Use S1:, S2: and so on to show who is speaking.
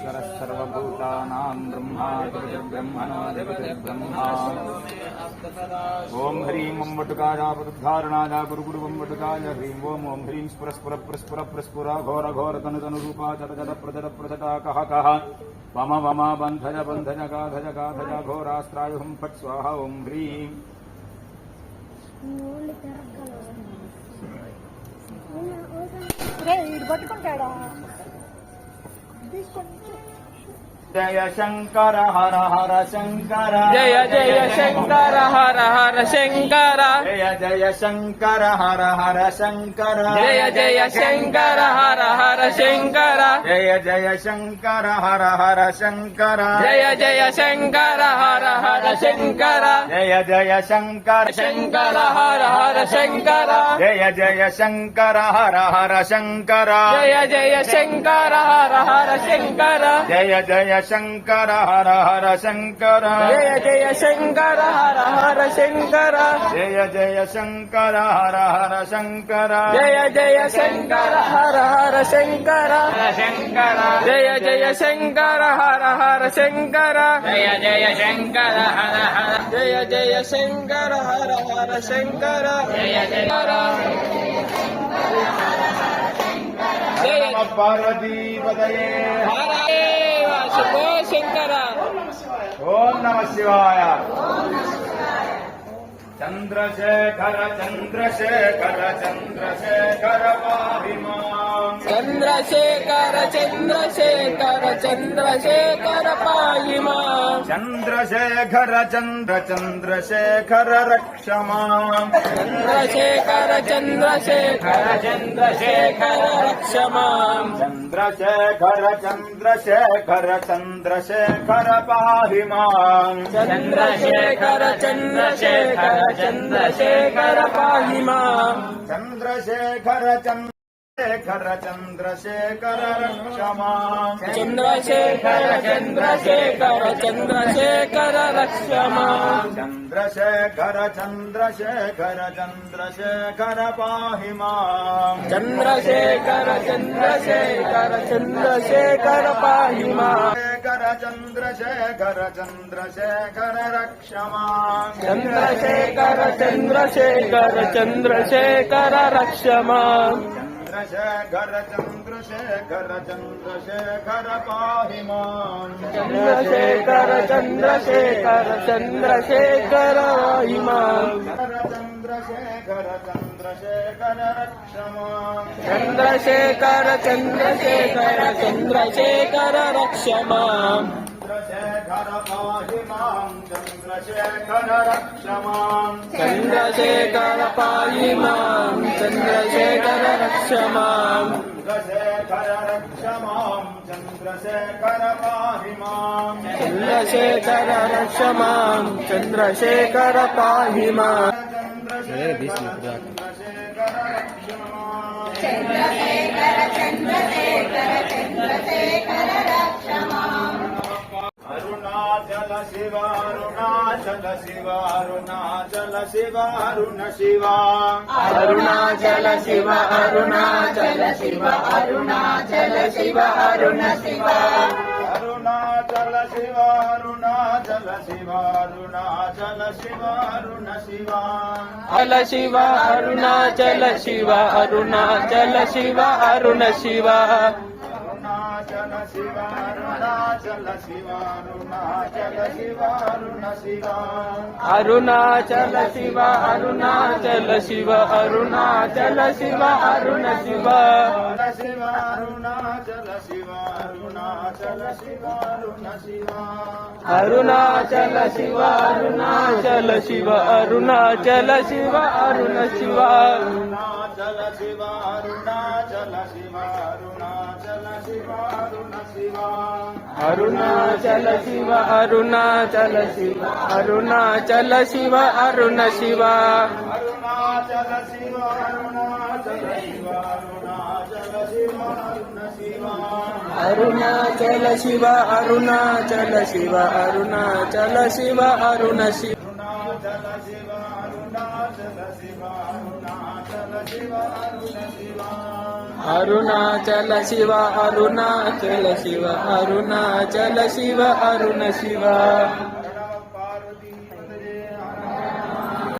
S1: परमेश्वरः सर्वभूतानां ब्रह्मा ओम ह्रीं ओम वटुकाय वटुधारणाय गुरुगुरु ओम वटुकाय ह्रीं ओम ह्रीं स्फुर घोर घोर तनु रूपा चट चट प्रचटा कह वम वम बंधज गाधज घोरास्त्राय हुं फट् स्वाहा ओम ह्रीं जय शंकर हर हर शंकर
S2: जय जय शंकर हर हर शंकर
S1: जय जय शंकर हर हर शंकर
S2: जय जय शंकर हर हर शंकर
S1: जय जय शंकर हर हर शंकर
S2: जय जय शंकर हर हर शंकर
S1: जय जय शंकर
S2: शंकर हर हर शंकर
S1: जय जय शंकर हर हर शंकर
S2: जय जय शंकर हर हर शंकर
S1: जय जय शंकर हर हर शंकर
S2: जय जय शंकर हर हर शंकर
S1: जय जय शंकर हर हर शंकर
S2: जय जय शंकर हर हर शंकर
S1: शंकर
S2: जय जय शंकर हर हर शंकर
S1: जय जय शंकर हर हर
S2: जय जय शंकर हर हर शंकर
S1: जय जय
S2: जय
S1: पार्वती पदये
S2: हरे वासुदेव शंकर
S1: ओम नमः शिवाय चंद्रशेखर चंद्रशेखर चंद्रशेखर पाहि मां
S2: चंद्रशेखर चंद्रशेखर चंद्रशेखर पाहि मां
S1: चंद्रशेखर चंद्रशेखर रक्ष मां
S2: चंद्रशेखर चंद्रशेखर चंद्रशेखर रक्ष मां
S1: चंद्रशेखर चंद्रशेखर पाहि मां
S2: चंद्रशेखर चंद्रशेखर चंद्रशेखर पाहि मां
S1: चंद्रशेखर चंद्रशेखर रक्ष मां
S2: चंद्रशेखर चंद्रशेखर चंद्रशेखर रक्ष मां
S1: चंद्रशेखर चंद्रशेखर पाहि मां
S2: चंद्रशेखर चंद्रशेखर चंद्रशेखर पाहि मां
S1: चंद्रशेखर रक्ष मां
S2: चंद्रशेखर चंद्रशेखर चंद्रशेखर रक्ष मां
S1: चंद्रशेखर पाहि मां
S2: चंद्रशेखर चंद्रशेखर चंद्रशेखर पाहि मां
S1: चंद्रशेखर रक्ष मां
S2: चंद्रशेखर चंद्रशेखर चंद्रशेखर रक्ष मां
S1: चंद्रशेखर पाहि मां चंद्रशेखर रक्ष मां
S2: चंद्रशेखर पाहि मां चंद्रशेखर रक्ष मां
S1: चंद्रशेखर रक्ष मां चंद्रशेखर पाहि मां
S2: चंद्रशेखर रक्ष मां चंद्रशेखर पाहि मां
S1: अरुणाचल शिव अरुणाचल शिव अरुणाचल शिव अरुण शिव
S2: अरुणाचल शिव अरुणाचल शिव अरुणाचल शिव अरुण शिव
S1: अरुणाचल शिव अरुणाचल शिव अरुणाचल शिव अरुण शिव
S2: अल शिव अरुणाचल शिव अरुणाचल शिव अरुण शिव
S1: अरुणाचल शिव अरुणाचल शिव अरुणाचल शिव अरुण शिव
S2: अरुणाचल शिव अरुणाचल शिव अरुणाचल शिव अरुण शिव
S1: शिव अरुणाचल शिव अरुणाचल शिव अरुण शिव
S2: अरुणाचल शिव अरुणाचल शिव अरुणाचल शिव अरुण शिव
S1: अरुणाचल शिव अरुणाचल शिव अरुणाचल शिव अरुण शिव
S2: अरुणाचल शिव अरुणाचल शिव अरुणाचल शिव अरुण शिव
S1: अरुणाचल शिव अरुणाचल शिव अरुणाचल शिव अरुण शिव
S2: अरुणाचल शिव अरुणाचल शिव अरुणाचल शिव अरुण शिव
S1: अरुणाचल शिव अरुणाचल शिव अरुणाचल शिव अरुण शिव
S2: अरुणाचल शिव अरुणाचल शिव अरुणाचल शिव अरुण शिव
S1: हर नमः पार्वती पतये हर